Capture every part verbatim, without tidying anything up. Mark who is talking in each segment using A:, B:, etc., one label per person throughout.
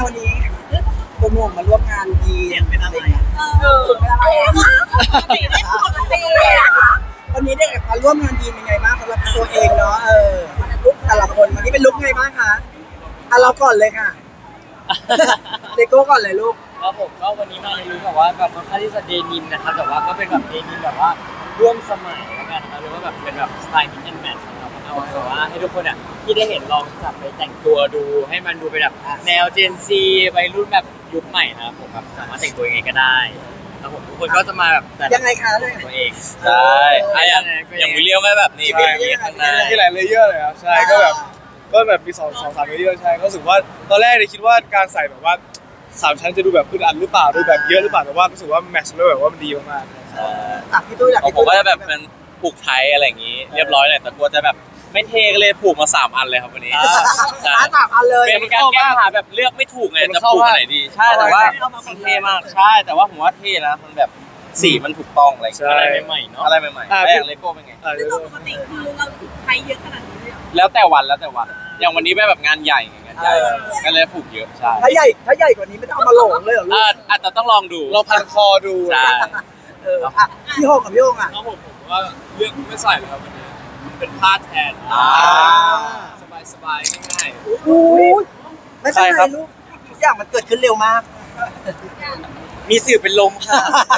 A: วันนี้โปรโมทมาร่วมงานดีเป็นอะไรเออเป็นอะไรปกติได้ปกติวันนี้ได้มาร่วมงานดีเป็นไงบ้างสำหรับตัวเองเนาะเออลุกแต่ละคนวันนี้เป็นลุกไงบ้างคะอ่ะเราก่อนเลยค่ะเลโก้ก่อนเลยลูก
B: ครับผมก็วันนี้มาในลุคแบบว่าแบบค่อนข้างที่จะเดนิมนะครับแต่ว่าก็เป็นแบบเดนิมแบบว่าร่วมสมัยแล้วกันนะครับหรือว่าแบบเป็นแบบสไตล์มิกซ์แอนด์แมทนะครับเอาแบบว่าให้ทุกคนอ่ะที่ได้เห็นลองจับไปแต่งตัวดูให้มันดูเป็นแบบแนวเจนซีวัยรุ่นแบบยุคใหม่นะครับผมแบบสามารถแต่งตัวยังไงก็ได้แล้วผมทุกคนก็จะมาแบบแต่
A: ยังไงคะเลย
B: ตัวเอง
C: ใช่ไอ้อย่างอย่างวิลเลียมก็แบบนี้เป็นอย่างนี้ข้างหน้า
D: ที่หลายเลเยอร์เลยครับใช่ก็แบบก็แบบมีสองสองสามเลเยอร์ใช่ก็รู้สึกว่าตอนแรกเนี่ยคิดว่าการใส่แบบว่าสามชั้นจะดูแบบอึดอัดหรือเปล่าดูแบบเยอะหรือเปล่าแต่ว่ารู้สึกว่าแมทช์แล้วแบบว่ามันดีมาก
A: ๆอ่ะพี่ตุ้ยหลัก
C: ผมก็จะแบบเป็นผูกไทยอะไรอย่างนี้เรียบร้อยเลยแต่กลัวจะแบบไม่เท่ก็เลยผูกมาสามอันเลยครับวันนี้
A: ใช่สามอันเลย
C: เป็นการแก้ปัญหาแบบเลือกไม่ถูกไงจะผูกอันไหนดีใช่แต่ว่ามันเท่มากใช่แต่ว่าผมว่าเท่นะมันแบบสีมันถูกต้องอะไรอะไรใหม่ๆเนาะอะไรใหม่ๆแล้วอย่างเลโก้เป็นไง
E: ซึ่งปกติคือเราใช้เยอะขนาดนี้เลย
C: แล้วแต่วันแล้วแต่วันอย่างวันนี้แบบงานใหญ่ไงงานใหญ่ก็เลยผูกเยอะใช่
A: ถ้าใหญ่ถ้าใหญ่กว่านี้ไม่ต้องเอามาหลงเลยเหรอลูก
C: อาจจะต้องลองดู
D: เราพันคอดู
C: ใช่
A: เอออ่ะพี่โฮงกับพี่โฮงอ่ะ
F: ครับผมผมว่าเลือกไม่ใส่เลยครับวันนี้มันเป็นผ้าแทนสบายสบายง่าย
A: ๆโอ้ยไม่ใช่ลูกทุกอย่างมันเกิดขึ้นเร็วมาก
C: มีสื่อเป็นลมค่ะ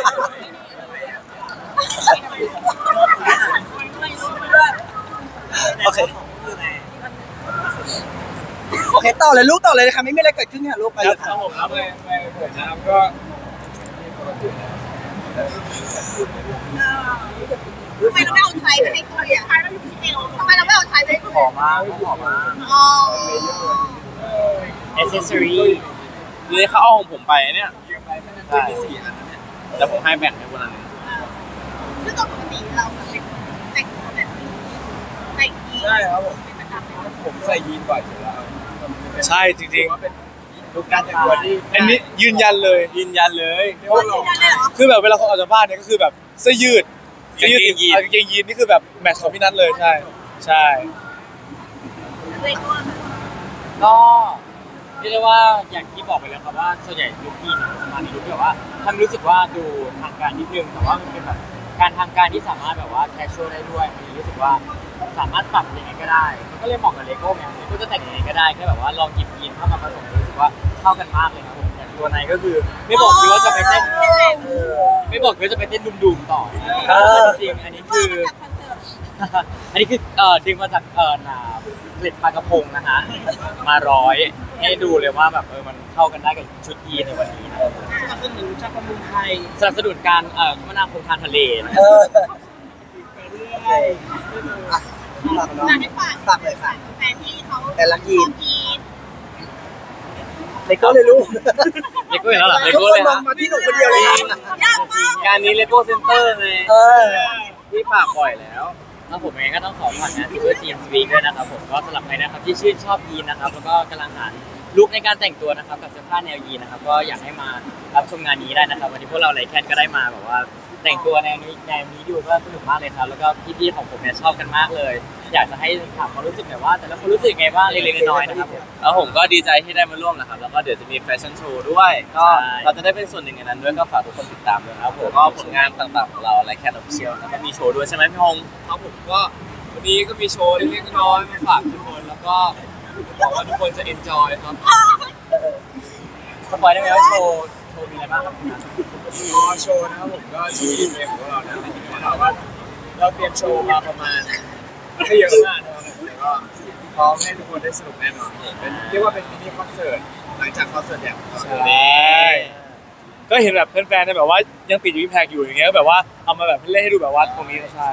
A: โอเคโอเคต่อเลยลูกต่อเลยนะคะไม่มีอะไรเกิดขึ้นค่ะลูกไปเลย
F: ครับผมครับไปไปเปิดน้ำก็
E: ทำไมเราไม่เอาใช้ไปให้ตัวอ่ะทำไมเราไม่เอาใช้ไปให้ตัว
B: หอมมากหอมมาก
E: อ๋อ
B: แอคเซสซอรี่
C: เลยเขาเอาของผมไปเนี่ยใช่แต่ผมให้แบ่งให้คนละนึง
E: ซึ่งปกติเราเป็นแต่งตัวแบบนี้ใส่ยีน
F: ใช่ครับผม
E: เป็นประจำเลย
F: ผมใส่ยีนบ่อยอยู่แล้ว
D: ใช่จริง
F: ๆทุกการแต่งตัวที่
D: อันนี้ยืนยันเลย
C: ยืนยันเลย
D: คือแบบเวลาเขาออกจากบ้านเนี่ยก็คือแบบเสื้อยืดเสื้อยืดยีนกางเกงยีนนี่คือแบบแมทช์ของพี่นัทเลยใช่ใช่
B: ก็เรียกได้ว่าอย่างที่บอกไปแล้วครับว่าส่วนใหญ่ลุคยีนจะมาในลุคแบบว่าทำรู้สึกว่าดูทางการนิดนึงแต่ว่ามันเป็นแบบการทางการที่สามารถแบบว่าแคชชวลได้ด้วยมันรู้สึกว่าสามารถปรับยังไงก็ได้มันก็เลยเหมาะกับเลโก้ไงเลโก้จะแต่งยังไงก็ได้แค่แบบว่าลองหยิบยีนเข้ามาผสมรู้สึกว่าเข้ากันมากเลยครับผมอย่างตัวในก็คือไม่บอกเลยว่าจะไปเต้นไม่บอกเลยจะไปเต้นดุมๆต่อจริงอันนี้คืออันนี้คือเอ่อดึงมาจากเอ่อหนาผลิตปลากระพงนะฮะมาร้อยให้ดูเลยว่าแบบเออมันเข้ากันได้กับชุดยีนในวันนี้นะ
A: สนับสนุนชาติประมงไทย
B: สนับสนุนการเอ่อคมนาคมทางทะเลนะ
A: เออฝากให้ฝากฝากเลยค่ะ
E: แฟนที่เขา
A: แต่ละยีน
E: น
A: เลโก้เลยลูก
B: เลโก้แล้วเหรอเลโก้เลยฮะ
A: มาที่หนูคนเดียวเลย
B: งานนี้เลโก้เซ็นเตอร์ไง
A: เออ
B: ที่ฝากบ่อยแล้วแล้วผมเองก็ต้องขอฝากงานที่เพื่อจีนสวีกด้วยนะครับผมก็สำหรับใครนะครับที่ชื่นชอบยีนนะครับแล้วก็กำลังหาลุคในการแต่งตัวนะครับกับเสื้อผ้าแนวยีนนะครับก็อยากให้มารับชมงานนี้ได้นะครับวันนี้พวกเราไลแคนก็ได้มาแบบว่าแต่งตัวแนวนี้แนวนี้ดูก็สนุกมากเลยครับแล้วก็พี่ๆของผมเนี่ยชอบกันมากเลยอยากจะให้ถามความรู้สึกหน่อยว่าแต่ละคนรู้สึกไงบ้างเล็กๆน้อยๆนะครับ
C: แล้วผมก็ดีใจที่ได้มาร่วมนะครับแล้วก็เดี๋ยวจะมีแฟชั่นโชว์ด้วยก็เราจะได้เป็นส่วนหนึ่งในนั้นด้วยก็ฝากทุกคนติดตามด้วยครับผมก็ผลงานต่างๆของเราไลแคนออฟฟิเชียลแล้วก็มีโชว์ด้วยใช่ไหมพี่ฮง
F: ครับผมก็วันนี้ก็มีโชว์เล็กๆน้อยๆมาฝากทุกคนแล้วก็บอกว่าทุกคนจะเอนจอยครับ
B: สปอยได้ไหมว่าโชว์โชว์มีอะไรบ้างครับ
F: รอโชว์นะครับผมก็ชื่อเพลงของเรานะถามว่าเราเตรียมโชว์มาประมาณไม่เยอะมากนะครับแต่ก็พร้อมให้ทุกคนได้สนุกแน่นอนเป็นเรียกว่าเป็นมินิคอนเสิร์ตหลังจากคอนเสิร์ตใหญ่
D: ใช่ก็เห็นแบบแฟนๆแบบว่ายังติดอยู่ที่แพกอยู่อย่างเงี้ยแบบว่าเอามาแบบเล่นให้ดูแบบว่าตรงนี้ใช่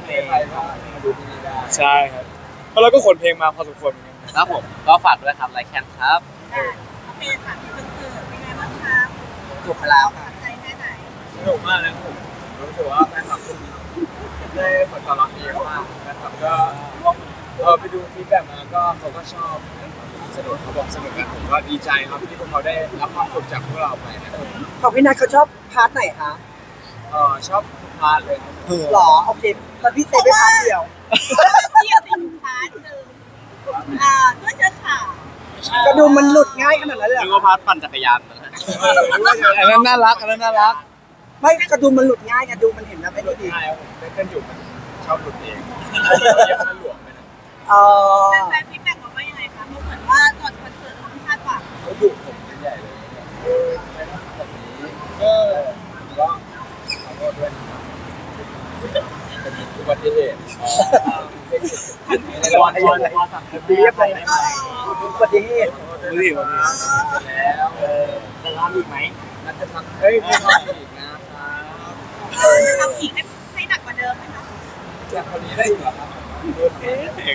D: ใช่ครับเพราะเราก็ขนเพลงมาพอสมควรเหมือนกัน
C: ครับผมก็ฝากด้วยครับไลแคนครับ
E: โอเคค่ะคอนเสิร์ตเป็นไงบ้างคะ
A: จบไปแล้วค่ะ
E: ใจแค่ไหน
F: สนุกมากนะผมรู้สึกว่าแฟนคลับได้ผลตอบรับดีมากแฟนคลับก็เออไปดูฟีดแบ็กมาก็เขาก็ชอบสนุกเขาบอกสนุกกันผมก็ดีใจครับที่พวกเขาได้รับความสุขจากพวกเราไปนะครับ
A: ของพี่นัทเขาชอบพาร์ทไหนคะ
F: เออชอบพาร์ทเลย
A: หรอโอเคแล้วพี่เต้ไปพาร์ทเดียว
E: เดียวเป็นพาร์ทหนึ่งอ่าด้วยเชื้อขาว
A: กระดุมมันหลุดง่ายขนาดนั้นเลยเหร
C: นึก
A: อ
C: ว่าพาร์ทปั่นจักรยานนะ
D: อันนั้นน่ารักอันนั้นน่ารัก
A: ไม่กระดุมมันหลุดง่ายกระดุมมันเห็นนะไม่ได้ดี
F: ใช่ครับผมเต้นอยู่มันชอบหลุดเองเย็บมันหลวมไปนะ
A: เออ
E: แฟนๆฟีดแบ็กบอกว่ายังไงคะเพราะเหมือนว่าก่อนคอนเสิร์ตเราไม่คาดหวัง
F: เขาดุผมเป็นใหญ่เลยเป็นแบบนี้ก็ก็ขอโทษด้วยเป็นอุบัติเหตุ
B: ตอนตอนตอนสั่งเรียบเลยไหม
A: อุบัติเหตุ
D: มือถือมือถือ
F: แล้ว
B: เออจะทำอีกไหม
F: นักจะทำเฮ้ยไม่ทำอีกนะครับ
E: เออจะทำอีกให้ให้หนักกว่าเดิมไหมคะ
F: จากคนนี้ได้อีกเหรอครับโดนเอง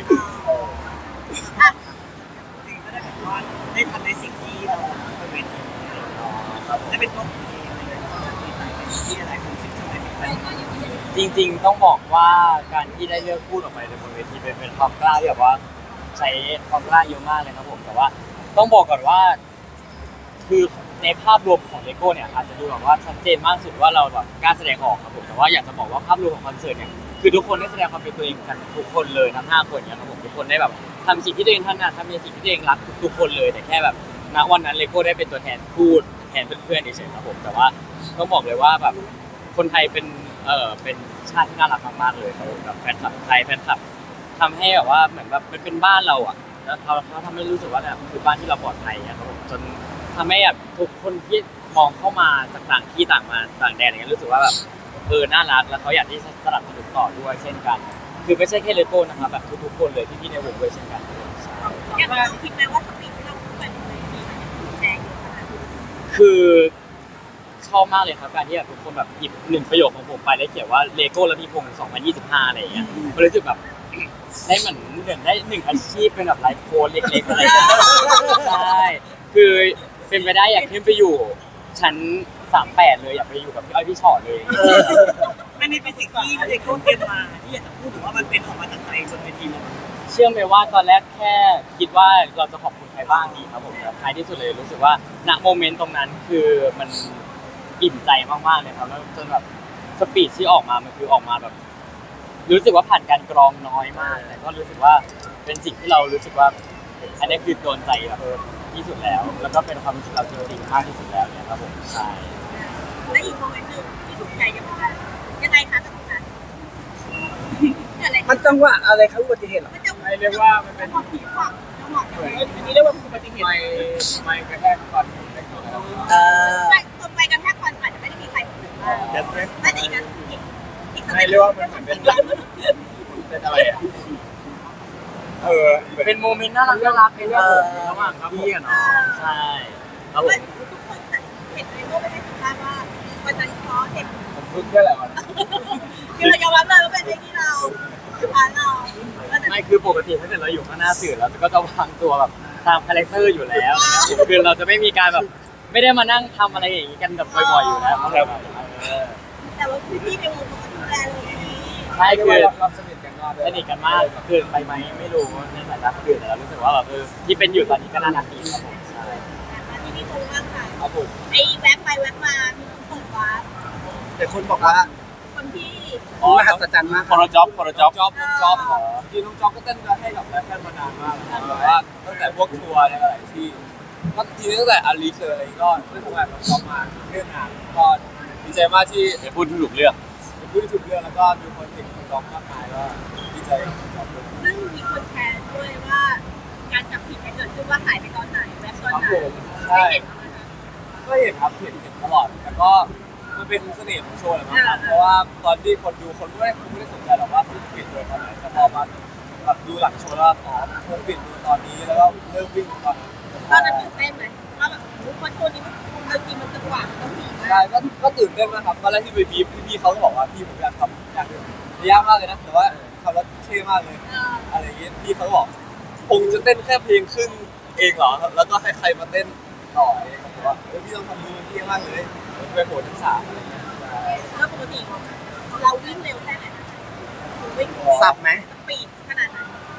E: อ่ะ
A: สิ่งก็ได้แบบว่าได้ทำในสิ่งที่เราเป็นได้เป็นตัวเองอะไรอย่างเงี้ยที่อะไรของสิ่งที่ไม่เป็น
B: จริงๆต้องบอกว่าการที่ได้เลือกพูดออกไปในบนเวทีเป็นเป็นความกล้าที่แบบว่าใช้ความกล้าเยอะมากเลยครับผมแต่ว่าต้องบอกก่อนว่า คือในภาพรวมของเลโก้เนี่ยอาจจะดูแบบว่าชัดเจนมากสุดว่าเราแบบกล้าแสดงออกครับผมแต่ว่าอยากจะบอกว่าภาพรวมของคอนเสิร์ตเนี่ยคือทุกคนได้แสดงความเป็นตัวเองกันทุกคนเลยทั้งห้าคนเนี่ยครับผมทุกคนได้แบบทำสิ่งที่ตัวเองถนัดทำในสิ่งที่ตัวเองรักทุกๆคนเลยแต่แค่แบบณวันนั้นเลโก้ได้เป็นตัวแทนพูดแทนเพื่อนๆเฉยๆครับผมแต่ว่าต้องบอกเลยว่าแบบคนไทยเป็นเอ่อเป็นชาติที่น่ารักมากๆเลยครับผมแบบแฟนคลับไทยแฟนคลับทำให้แบบว่าเหมือนแบบมันเป็นบ้านเราอ่ะแล้วเขาเขาทำให้รู้สึกว่าเนี่ยคือบ้านที่เราปลอดภัยนะครับผมจนทำให้แบบทุกคนที่มองเข้ามาจากต่างที่ต่างมาต่างแดนอย่างเงี้ยรู้สึกว่าแบบเออน่ารักแล้วเขาอยากที่จะสนับสนุนต่อด้วยเช่นกัน คือไม่ใช่แค่เลโก้นะครับแบบทุกๆคนเลยที่พี่ในวงด้วยเช่นกัน
E: อย่างเราคิดไหมว่าสปีดที่เราพูดไปบนเวทีมันจะถูกแชร์เยอะขนาดนี้
B: คือชอบมากเลยครับการที่แบบทุกคนแบบหยิบหนึ่งประโยคของผมไปแล้วเขียนว่าเลโก้และพี่พงศ์สองพันยี่สิบห้าอะไรอย่างเงี้ยมันรู้สึกแบบ ได้เหมือนเหมือนได้หนึ่งอาชีพเป็นแบบไลฟ์โค้ชเล็กๆอะไรอย่างเงี้ยใช่คือเป็นไปได้อยากขึ้นไปอยู่ชั้นสามแปดเลยอยากไปอยู่กับพี่อ้อยพี่ชอตเลย
A: อันนี้เป็นสิ่งที่เลโก้เตรียมมาที่อยากจะพูดถึงว่ามันเป็นออกมาจากใจจนเป็นทีมเรา
B: เชื่อไหมว่าตอนแรกแค่คิดว่าเราจะขอบคุณใครบ้างดีครับผมแต่ท้ายที่สุดเลยรู้สึกว่าณโมเมนต์ตรงนั้นคือมันอิ่มใจมากๆเลยครับแล้วจนแบบสปีดที่ออกมามันคือออกมาแบบ รู้สึกว่าผ่านการกรองน้อยมากแต่ก็รู้สึกว่าเป็นสิ่งที่เรารู้สึกว่าอันนี้คือโดนใจแบบที่สุดแล้ว แล้วก็เป็นความรู้สึกเราจริงๆมากที่สุดแล้วเนี่ยครับผมใช่
E: และอีกโมเมนต์หนึ่งที่ถูกใจยังไงยังไงคะตรงนั้นเกิดอะไร
A: มันจังหวะอะไรครับอุบัติเหตุหรอ
E: มันจะ
F: ไม่เรียกว่ามันเป็น
E: ความผิดหวังจังหวะ
F: เหมือน
A: อันนี้เรียกว่าอุบัติเหตุ
F: ไม่ไม่กระแทกฟันได้ก่อนแล้ว
A: เออ
E: แต่คนไปกันแค่คนอาจจะไม่ได้มีใครพูดมาก
F: เด็ดไหม
E: แต่อีกนั้นอีกอีกส
F: ไม่
E: เต็ป
F: เรียกว่ามันเหมือนเป็นเป็นอะไรอ่ะเออ
B: เป็นโมเมนต์น่ารักน่ารักในเรื่องผมระหว่างพี่กับน้องใช่ครับผม
E: ทุกคนเห็นในโลกไม่ได้สัมภาษณ์ว่าวันนั้นเพราะเห็น
F: ผมพึ่งแค่แหละวัน
E: คือเรายอมรับเลยว่าเป็นเรื่องที่เราผ่านเรา
B: ไม่คือปกติถ้าเกิดเราอยู่ข้างหน้าสื่อเราก็จะวางตัวแบบตามคาแรคเตอร์อยู่แล้วนะครับคือเราจะไม่มีการแบบไม่ได้มานั่งทำอะไรอย่างนี้กันแบบบ่อยๆอยู่แล้วครับ
E: แต่ว่าพี่ในวงเขาดูแลเลยนี้
B: ใช่คือ
F: เราสนิทกันมาก
B: สนิทกันมากเกินไปไหมไม่รู้ในสายตาคนอื่นแต่เรารู้สึกว่าแบบเออที่เป็นอยู่ตอนนี้ก็น่ารักดีครับผมใช่
E: มาที่นี่คงมากค่ะ
F: ครับผม
E: ไอ้แวบไปแวบมามีคนเปิดวาร์ป
A: แต่คนบอกว่า
E: คนที่
A: มหัศจรรย์มาก
C: คอร์จ็อบคอร์จ็อบ
F: จ็อบจ็อบจริงๆน้องจ็อบก็เต้นให้กับแรปเปอร์มานานมากนะครับแบบว่าตั้งแต่พวกทัวร์ในหลายที่ก็ทีนี้ตั้งแต่อาริเชอร์อะไรก็ได้ทำงานกับจ็อบมาเรื่องงานก็ดีใจมากที่
C: เป็นพูดที่ถูกเลือก
F: เป็นผู้ที่ถูกเลือกแล้วก็มีคนติดจ็อบมากมายก็ดีใจกับจ็อบด้วย
E: ซึ่งมีคนแชร์ด้วยว่าการจับผิดเกิดขึ้นว่าหายไปตอนไหนแวบตอน
F: ครับ
E: ไหน
F: ผมใช่
E: ไม่เห็นนะคะ
F: ก็เห็นครับเห็นเห็นตลอดแต่ก็มันเป็นเสน่ห์ของโชว์แหละมั้งครับเพราะว่าตอนที่คนดูคนไม่ได้คนไม่ได้สนใจหรอกว่าคุณปิดตัวตอนไหนแต่พอมาแบบดูหลังโชว์แล้วอ๋อคุณปิดตัวตอนนี้แล้วก็เริ่มวิ่งตอนนั้น
E: ตอนนั้นตื่นเต้นไหมว่าแบบคนโชว์นี้มันจริงมันจังหวะมันต้องดีมา
F: ใช่
E: ก
F: ก็ก็ตื่นเต้นมากครับตอนแรกที่ไปบีบพี่ๆเขาก็บอกว่าพี่ผมอยากทำอยากยากมากเลยนะแต่ว่าทำแล้วเท่มากเลย
E: เออ
F: อะไรอย่างเงี้ยพี่เขาบอกคงจะเต้นแค่เพลงขึ้นเองเหรอแล้วก็ให้ใครมาเต้นต่อเองผมว่าเฮ้ยพี่ต้องทำมือเท่มากเลยไปโหดทั้งสามอะไรเงี้ย
E: แล้วปกติเราวิ่งเร็วแค่ไหนวิ่ง
A: สับไหม
E: สปีดขนาดไหน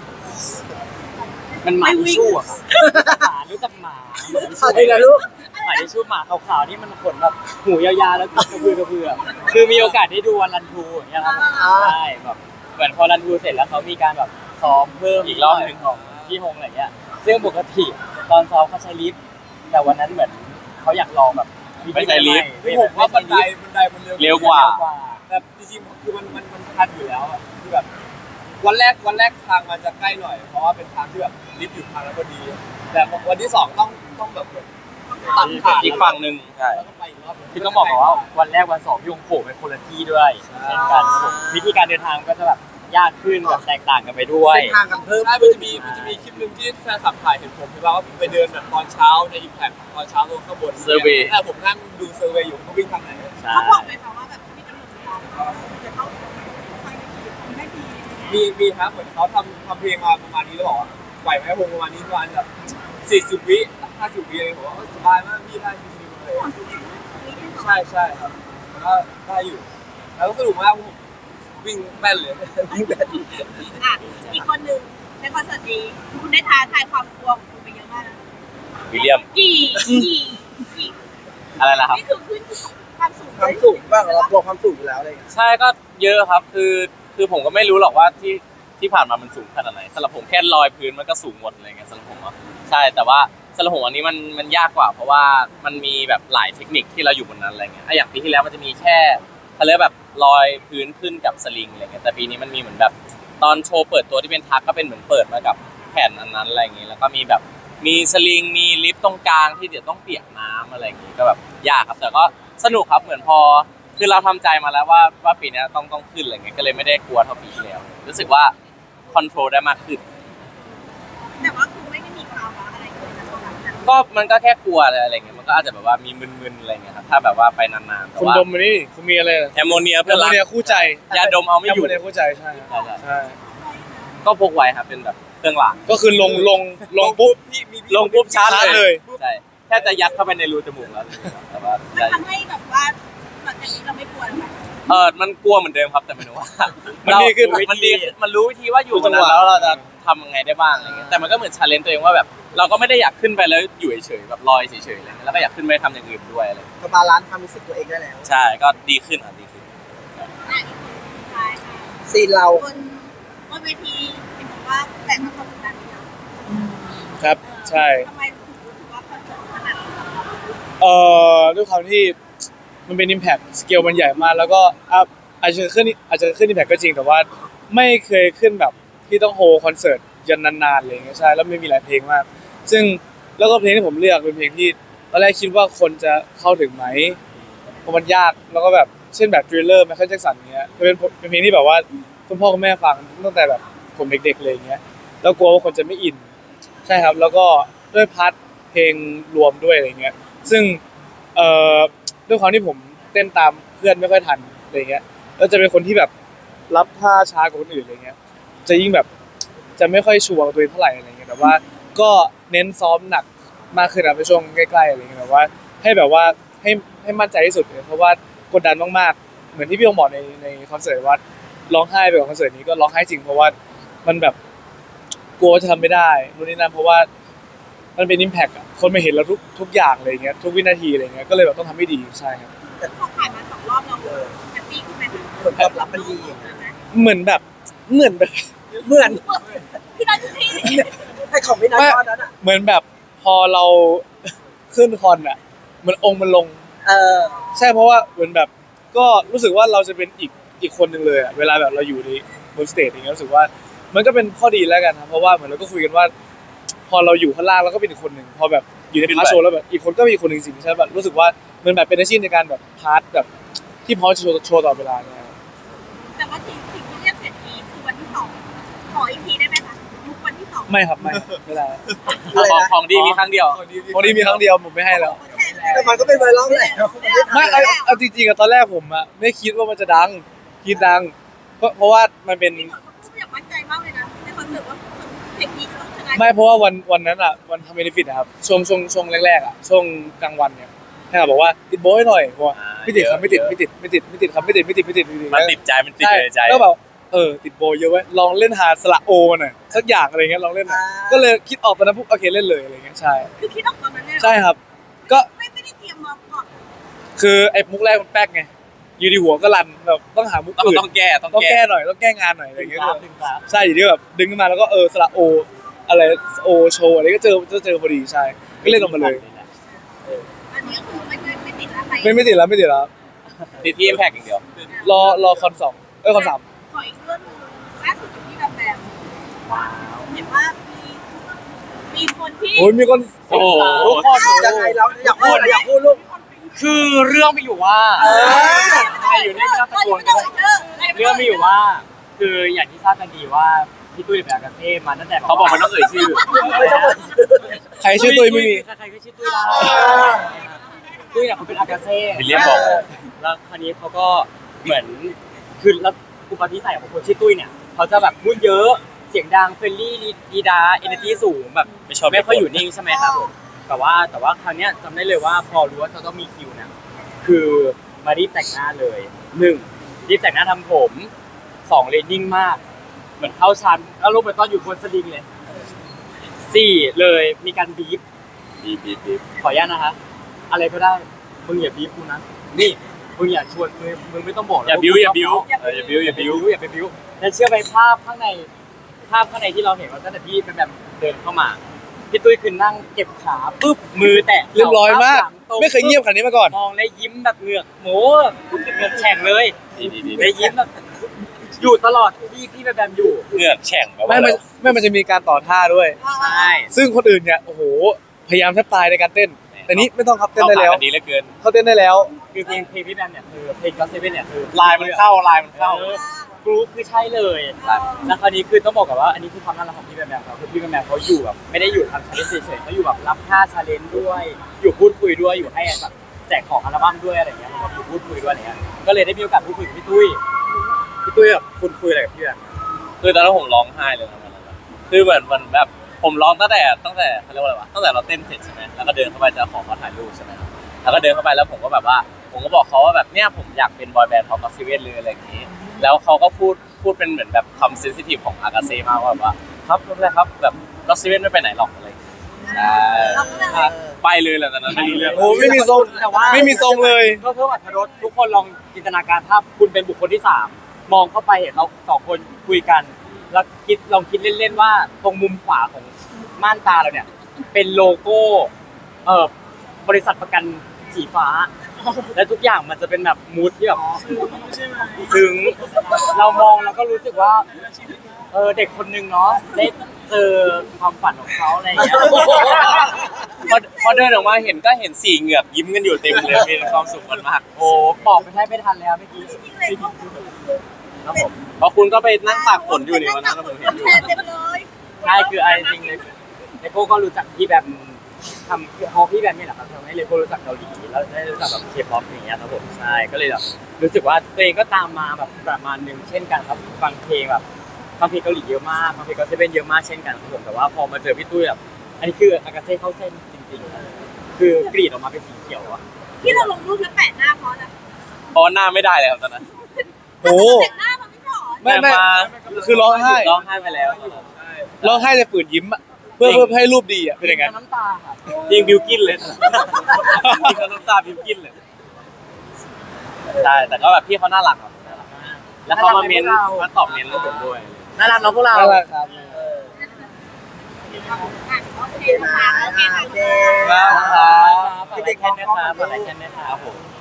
B: มันหมาทิชชู่อะครับหมารู้จักหมา
A: เอาดีละลูก
B: หมาทิชชู่หมาขาวๆที่มันขนแบบหูยาวๆแล้วกระพือกระพือคือมีโอกาสได้ดูวันรันทูอย่างเงี้ยครับผมใช่แบบเหมือนพอรันทูเสร็จแล้วเขามีการแบบซ้อมเพิ่มอีกรอบหนึ่งของพี่ฮงอะไรเงี้ยซึ่งปกติตอนซ้อมเขาใช้ลิฟต์แต่วันนั้นเหมือนเขาอยากลองแบบ
C: ไม่ใช้ลิฟต์
B: ไม่
F: ผมว่าบันไดบันไดมันเร็ว
C: เร็วกว่า
F: แต่จริงๆคือมันมันมันทันอยู่แล้วอะคือแบบวันแรกวันแรกทางมันจะใกล้หน่อยเพราะว่าเป็นทางที่แบบลิฟต์อยู่ทางแล้วพอดี แต่วันที่สองต้องต้องแบบตัดผ่าน
C: อีกฝั่งหนึ่งใช่
F: แล้วก็ไปอีกรอบหนึ่ง
B: คือต้องบอกก่อนว่าวันแรกวันสองพี่องโผล่ไปคนละที่ด้วยเช่นกันครับผมวิธีการเดินทางก็จะแบบยากขึ้นแบบแตกต่างกันไปด้วย
A: เส้นทางกันเพิ่ม
F: ใช่มันจะมีมันจะมีคลิปหนึ่งที่แฟนคลับถ่ายเห็นผมที่ว่าไปเดินแบบตอนเช้าในอิมแพคตอนเช้าลงข้างบน
C: Survey
F: แต่ผมนั่งดูเซอร์เวย์อยู่เขาวิ่งทางไหน
B: ใช่
E: เขาบอกไหมคะว่าแบบมีกำหนดเวลาจะต้องไปไม่ดี
F: มีมีครับเหมือนเขาทำทำเพลงมาประมาณนี้แล้วบอกว่าไหวไหมวงประมาณนี้ประมาณแบบสี่สิบวิห้าสิบวิอะไรผมว่าสบายมากพี่ได้ชิวๆเลยใช่ใช่ครับแล้วก็ได้อยู่แล้วก็สนุกมากผมวิ่งแป้นเลยวิ่งแป้น
E: อ่ะอีกคนหนึ่งในคอนเสิร์ตนี้คุณได้ท้าทายความกลัวของคุณไปเยอะมากนะ
C: วิลเลียม
E: กี่กี่กี่
C: อะไรนะครับ
E: นี่คือขึ้นความสูง
A: ความสูงบ้างเรากลัวความสูงอยู่แล้วอะไรอย่างเงี้ย
C: ใช่ก็เยอะครับคือคือผมก็ไม่รู้หรอกว่าที่ที่ผ่านมามันสูงขนาดไหนสำหรับผมแค่ลอยพื้นมันก็สูงหมดอะไรเงี้ยสำหรับผมอ่ะใช่แต่ว่าสำหรับผมอันนี้มันมันยากกว่า เพราะว่ามันมีแบบหลายเทคนิคที่เราอยู่บนนั้นอะไรเงี้ยอ่ะอย่างปีที่แล้วมันจะมีแค่เขาเรียกแบบลอยพื้นขึ้นกับสลิงอะไรเงี้ยแต่ปีนี้มันมีเหมือนแบบตอนโชว์เปิดตัวที่เป็นทักก็เป็นเหมือนเปิดมากับแผ่นอันนั้นอะไรเงี้ยแล้วก็มีแบบมีสลิงมีลิฟต์ตรงกลางที่เดี๋ยวต้องเปียกน้ำอะไรอย่างงี้ก็แบบยากครับแต่ก็สนุกครับเหมือนพอคือเราทำใจมาแล้วว่าว่าปีนี้ต้องต้องขึ้นอะไรเงี้ยก็เลยไม่ได้กลัวเท่าปีที่แล้วรู้สึกว่าคอนโทรลได้มากขึ้น
E: แต่ว่าคือไม่ได้มีภาวะอะไรเลยนะตรงนั้น
C: ก็มันก็แค่กลัวอะไรเงี้ยมันก็อาจจะแบบว่ามีมึนๆอะไรเงี้ยครับถ้าแบบว่าไปนานๆแต่
D: คุณ
C: ว่า
D: ดมมานี่คุณมีอะไร
C: แอมโมเนีย
D: แอ
C: เพื่อ
D: ม
C: น
D: โม
C: รัก
D: เนียคู่ใจ
C: ยาดมเอาไม่
D: แอม
C: อยู่
D: โมเนียคู่ใจใช่
C: ใช่ใช่
D: ใช่
C: ก็พกไว้ครับเป็นแบบเครื่องราง
D: ก็คือลงลงลงปุ๊บ
F: พี่มี
C: ลงปุ๊บชาร์จ
D: ชาร์จ
C: เล
D: เลย ย
C: ใช่แค่จะยัดเข้าไปในรูจมูกแล้วแต่ว่า
E: มันทำให้แบบว่าหลังจากนี้เราไม่กลัวแล้วไหม
C: เออมันกลัวเหมือนเดิมครับแต่ไม่รู้ว่า
D: มันดีขึ้น
C: มันดีขึ้นมันรู้วิธีว่าอยู่ตรงนั้นแล้วเราจะทำยังไงได้บ้างอะไรเงี้ยแต่มันก็เหมือนชาเลนจ์ตัวเองว่าแบบเราก็ไม่ได้อยากขึ้นไปแล้วอยู่เฉยๆแบบลอยเฉยๆอะไรเงี้ยแล้วก็อยากขึ้นไปทำอย่างอื่นด้วยอะไร
A: ก็บาลานซ์ความรู้สึกตัวเองได้แล้ว
C: ใช่ก็ดีขึ้นอ่ะดีขึ้น
E: อ่ะอีกคนสุดท้ายค่ะ
A: ซีนเรา
E: บนบนเวทีเห็นบอกว่าแต่งความกดดันเยอะ
D: ครับ ใช่
E: ทำไมถึงรู้สึกว่าคอนเสิร์ตขนาดนี้
D: เอ่อด้วยความที่มันเป็น impact สเกลมันใหญ่มากแล้วก็อ่ะอาจจะขึ้นอาจจะขึ้น impact ก็จริงแต่ว่าไม่เคยขึ้นแบบที่ต้องโฮคอนเสิร์ตยันนานๆอะไรอย่างเงี้ยใช่แล้วไม่มีหลายเพลงมาก ซึ่งแล้วก็เพลงที่ผมเลือกเป็นเพลงที่ตอนแรกคิดว่าคนจะเข้าถึงไหมเพราะมันยากแล้วก็แบบเช่นแบบ Thriller ไมเคิลแจ็คสันเงี้ยเป็นเป็นเพลงที่แบบว่าคุณพ่อคุณแม่ฟังตั้งแต่แบบผมเด็กๆเลยอย่างเงี้ยแล้วกลัวว่าคนจะไม่อินใช่ครับแล้วก็ด้วยพาร์ทเพลงรวมด้วยอะไรเงี้ยซึ่งเอ่อด้วยความที่ผมเต้นตามเพื่อนไม่ค่อยทันอะไรเงี้ยแล้วจะเป็นคนที่แบบรับท่าช้ากว่าคนอื่นอะไรเงี้ยจะยิ่งแบบจะไม่ค่อยชัวร์กับตัวเองเท่าไหร่อะไรเงี้ยแต่ว่าก็เน้นซ้อมหนักมากขึ้นนะในช่วงใกล้ๆอะไรเงี้ยแบบว่าให้แบบว่าให้ให้มั่นใจที่สุดเลยเพราะว่ากดดันมากๆเหมือนที่พี่องบอกในในคอนเสิร์ตว่าร้องไห้ไปกับคอนเสิร์ตนี้ก็ร้องไห้จริงเพราะว่ามันแบบกลัวจะทำไม่ได้นู่นนี่นั่นเพราะว่ามันเป็นอิมแพคอะคนมาเห็นเราทุกทุกอย่างอะไรเงี้ยทุกวินาทีอะไรเงี้ยก็เลยแบบต้องทำให้ดีใช่ครับ
E: พอผ่านมาสองรอบเราแฮปปี้ขึ้นไหมคะ
A: ผลตอบรับมันดีอย่างเงี้ย
D: เหมือนแบบเหมือนแบบ
A: เหมือน
E: พี่นัทพี่
A: ให้ของไม่น่าก้อนนั้นอ่ะ
D: เหมือนแบบพอเรา ขึ้นคอนอะเหมือนองค์มันลง
A: เออ
D: ใช่เพราะว่าเหมือนแบบก็รู้สึกว่าเราจะเป็นอีกอีกคนหนึ่งเลยอะเวลาแบบเราอยู่ในบนสเตจอย่างเงี้ยรู้สึกว่ามันก็เป็นข้อดีแล้วกันครับเพราะว่าเหมือนเราก็คุยกันว่า พอเราอยู่ข้างล่างเราก็เป็นอีกคนหนึ่งพอแบบอยู่ในพาร์ทโชว์แล้วแบบอีกคนก็มีอีกคนหนึ่งจริงๆใช่แบบรู้สึกว่ามันแบบเป็นอาชีพในการแบบพาร์ทแบบที่พร้อมจะโชว์โชว์ต่อเวลาเนี่ย
E: แต่ว่าสิ่งสิ่งที่เรียกเสร็จนี้คือวันที่สองขออีกทีได้ไหมคะยุควันที่สอง
D: ไม่ครับไม่ไม่ได้
A: อะไร
C: ของ
A: นะ
C: ของดีมีครั้งเดียว
D: วันนี้มีครั้งเดียวผมไม่ให้แล้ว
A: แต่มันก็เป็นไวรัลแหละ
D: ไม่เอาเอาจริงๆอะตอนแรกผมอะไม่คิดว่ามันจะดังคิดดัง เพราะเพราะว่ามันเป็น
E: พี่เหมือนเขาพูดอย่างมั่นใจมากเลยนะในคอนเสิร์ตว่าเพลงนี้จะต้องชนะ
D: ไม่เพราะว่าวันวันนั้นอะวันทำเบนฟิตนะครับช่วงช่วงช่วงแรกๆอะช่วงกลางวันเนี่ยให้เขาบอกว่าติดโบยหน่อยเพราะว่า
C: อ่า
D: ไม่ติดครับ
C: เยอะ
D: ไม่ติดไม่ติดไม่ติดไม่ติดครับไม่ติดไม่ติดไม่ติดไม่ติด
C: มันติดใจมันติด
D: ใช่
C: ในใจ
D: แล้วแบบเออติดโบยเยอะไว้ยลองเล่นหาสระโอหน่อยสักอย่างอะไรเงี้ยลองเล่นหน่อยก็เลยคิดออกตอนนั้นปุ๊บโอเคเล่นเลยอะไรเงี้ยใช่
E: คือคิดออกตอนนั้นเลยเหรอ
D: ใช่ครับ ก็
E: ไม่ไม่ได้เตรียมมาก่อน
D: คือไอ้มุกแรกมันแป๊กไงอยู่ดีหัวก็รันแบบต้องหามุก
C: ต้อง
D: อื่น
C: ต้องแก้ต้อง
D: ต้อง
C: แก้
D: แก้หน่อยต้องแก้งานหน่อยอะไร
B: ดึง
D: เงี้ย
B: กราฟดึงกราฟ
D: ใช่อยู่ที่แบบดึงขึ้นมาแล้วก็เออสระโออะไรโอโชว์อะไรก็เจอก็เจอพอดีใช่ก็เล่นออกมาเลย
E: อันนี้ก็คือไม่ไม่ไม่ติดอะไร
D: ไม่ไม่ติดแล้วไม่ติดแล้ว
C: ติดที่ Impact อย่างเดียว
D: รอรอคอนสองเอ้ยคอนสาม
E: ขออีกเรื่องนึงล่าสุดอยู่ที่แบบแบบเห็นว่ามีมีคนที่
D: โอ้ยมีคน
C: โอ้โห
B: ทุกคน
A: ยังไงแล้วอยากพูดอยากพูดลูก
B: คือเรื่องมีอยู่ว่า
A: เออ
B: ใครอยู่นี่ไม่ต้องตะโกนกันเรื่องมีอยู่ว่า คืออย่างที่ทราบกันดีว่าพี่ตุ้ยเป็นอากาเซ่มาตั้งแต่
C: เขาบอกมันต้องเอ่ยชื่อ
A: ไม่ต้อง
D: ใครชื่อตุ้ยไม่มี
B: ใครๆก็ชื่อตุ้ยได้ตุ้ยเนี่ยเขาเป็นอากาเซ่
C: วิลเลียมบอก
B: แล้วคราวนี้เขาก็เหมือนคือแล้วอุปนิสัยของคนชื่อตุ้ยเนี่ยเขาจะแบบพูดเยอะเสียงดังเฟรนลี่ดีดาเอเนอร์จีสูงแบบ
C: ไม่ชอบ
B: ไม่ค่อยอยู่นิ่งใช่ไหมครับผมแต่ว่าแต่ว่าคราวเนี้ยจำได้เลยว่าพอรู้ว่าเขาต้องมีคิวเนี่ยคือมารีบแต่งหน้าเลยหนึ่งรีบแต่งหน้าทำผมสองเลยนิ่งมาก เหมือนเข้าชั้นแล้วลงไปตอนอยู่บนสลิงเลยสี่เลยมีการบีบ
C: บีบบีบบีบ
B: ขออนุญาตนะคะอะไรก็ได้มึงอย่าบีบกูนะนี่มึงอย่าชวนมึงมึงไม่ต้องบอกนะ
C: อย่าบิ้วอย่าบิ้วเอออย่าบิ้วอย่าบิ้ว
B: อย่าไปบิ้วแล้วเชื่อไปภาพข้างในภาพข้างในที่เราเห็นว่าตั้งแต่พี่เป็นแบบเดินเข้ามาพี่ตุ้ยคือนั่งเก็บขาปุ๊บมือแตะ
D: เรียบร้อยมาก
B: หลังตรง
D: ไม่เคยเงียบขนาดนี้มาก่อน
B: มองแล้วยิ้มแบบเหงือกโหเหงือกแฉ่งเลย
C: ดีดีดี
B: แล้วยิ้มแบบอยู่ตลอดที่พี่แบบแบบอยู่
C: เหงือกแฉ่งแบบ
D: ไม่
C: ว่า
D: มันไม่มันจะมีการต่อท่าด้วย
B: ใช่
D: ซึ่งคนอื่นเนี่ยโอ้โหพยายามแทบตายในการเต้น แต่นี้ไม่ต้องครับเต้นได้แล้ว
C: เข้าขากันดีเหลือเกิน
D: เขาเต้นได้แล้ว
B: คือเพลงเพลงพี่แบมเนี่ยคือเพลงก็เซเว่นเนี่ยคือ
C: ลายมันเข้าลายมันเข้า
B: เออกรุ๊ปคือใช่เลยแล้วคราวนี้คือต้องบอกกับว่าอันนี้คือความน่ารักของพี่แบมแบมเขาคือพี่แบมแบมเขาอยู่แบบไม่ได้อยู่ทำชาเลนจ์เฉยๆเขาอยู่แบบรับท่าชาเลนจ์ด้วย อยู่พูดคุยด้วยอยู่ให้แบบแจกของอัลบั้มด้วยอะไรอย่างเงี้ยเขาก็อยู่พูดคุยด้วยอะไรเงี้ยก็เลยได้มีโอกาสพูดคุยกับพี่ตุ้ยพี่ตุ้ยแบบคุณคุยอะไรกับพี่แบม
C: คือตอนนั้นผมร้องไห้เลยนะวันนั้นอะคือเหมือนมันแบบผมร้องตั้งแต่ตั้งแต่เขาเรียกว่าอะไรวะตั้งแต่เราเต้นเสร็จใช่ไหมแล้วก็เดินเข้าไปจะขอมาถ่ายรูปใช่ไหมครับแล้วก็เดินเข้าไปแล้วผมก็แบบว่าผมก็บอกเขาว่าแบบเนี่ยผมอยากเป็นบอยแบนด์ของก็อตเซเว่นเลยอะไรอย่างนี้ แล้วเขาก็พูดพูดเป็นเหมือนแบบคำเซนซิทีฟของอากาเซ่มากว่าแบบว่าครับไม่เป็นไรครับแบบก็อตเซเว่นไม่ไปไหนหรอกอะไรอย่างงี้ใช่
E: เราก็เลย
C: ไปเลยแหละตอนนั้นไม่รู้เรื่อง
D: โอ้ไม่มีทรง
B: แต่ว่า
D: ไม่มีทรงเลย
B: ก็เพิ่มอรรถรสทุกคนลองจินตนาการภาพคุณเป็นบุคคลที่สามมองเข้าไปเห็นเราสองคนคุยกัน แล้วคิดลองคิดเล่นๆว่าตรงมุมขวาของม่านตาเราเนี่ย เป็นโลโก้เอ่อบริษัทประกันสีฟ้า และทุกอย่างมันจะเป็นแบบมูดที่แบบถึงเรามองแล้วก็รู้สึกว่าเออเด็กคนนึงเนาะได้เจอความฝันของเขาอะไรอย่างเงี้ย
C: พอพอเดินออกมาเห็นก็เห็นสี่เหงือกยิ้มกันอยู่เต็มเลยมีความสุขกันมาก
B: โอ้บอกไปแทบไม่ทันแล้วเมื่อกี้
E: จริงๆเลยก็
B: ครับผม
C: เพราะคุณก็ไปนั่งตากฝนอยู่ในวันนั้นผมเห็นอยู่
E: แทนเต็มเลย
B: ใช่คืออะไรจริงเลยเลโก้ก็รู้จักพี่แบบทำพอพี่แบบนี่แหละครับทำให้เลโก้รู้จักเกาหลีแล้วได้รู้จักแบบเคป๊อปอย่างเงี้ยครับผมใช่ก็เลยแบบรู้สึกว่าตัวเองก็ตามมาแบบประมาณนึงเช่นกันครับฟังเพลงแบบฟังเพลงเกาหลีเยอะมากฟังเพลงก็เซเว่นเยอะมากเช่นกันครับผมแต่ว่าพอมาเจอพี่ตุ้ยแบบอันนี้คืออากาเซ่เข้าเส้นจริงๆคือกรีดออกมาเป็นสีเขียวอะ
E: ที่เราลงรูปแล้วแปะหน้าเพราะอะไร
C: เพราะว่าหน้าไม่ได้เลยครับตอนนั้น
D: โอ้
E: แต่งหน้ามันไม่หรอ
D: ไม่ไม่
C: แต่า
D: คือร้องไห้
C: ร้องไห้ไปแล้ว
D: ร้องไห้แต่ฝืนยิ้มอะเพื่อเพื่อให้รูปดีอะเป็นยังไง
B: น้ำตาค่ะ
C: จริงบิวกินเลยจริงน้ำตาบิวกินเลยใช่แต่ก็แบบพี่เขาน่ารักครับน่ารักมากแล้วเขามาเมนมาตอบเมนแล้วผมด้วย
B: น่ารักเนาะพวกเรา
D: น่ารักครับ
E: โอเคค่ะโอเคค่ะ
A: โอเค
C: ครับ
B: ฝากไลค์แค่นี้นะครับฝากไลค์แค่นี้นะครับผม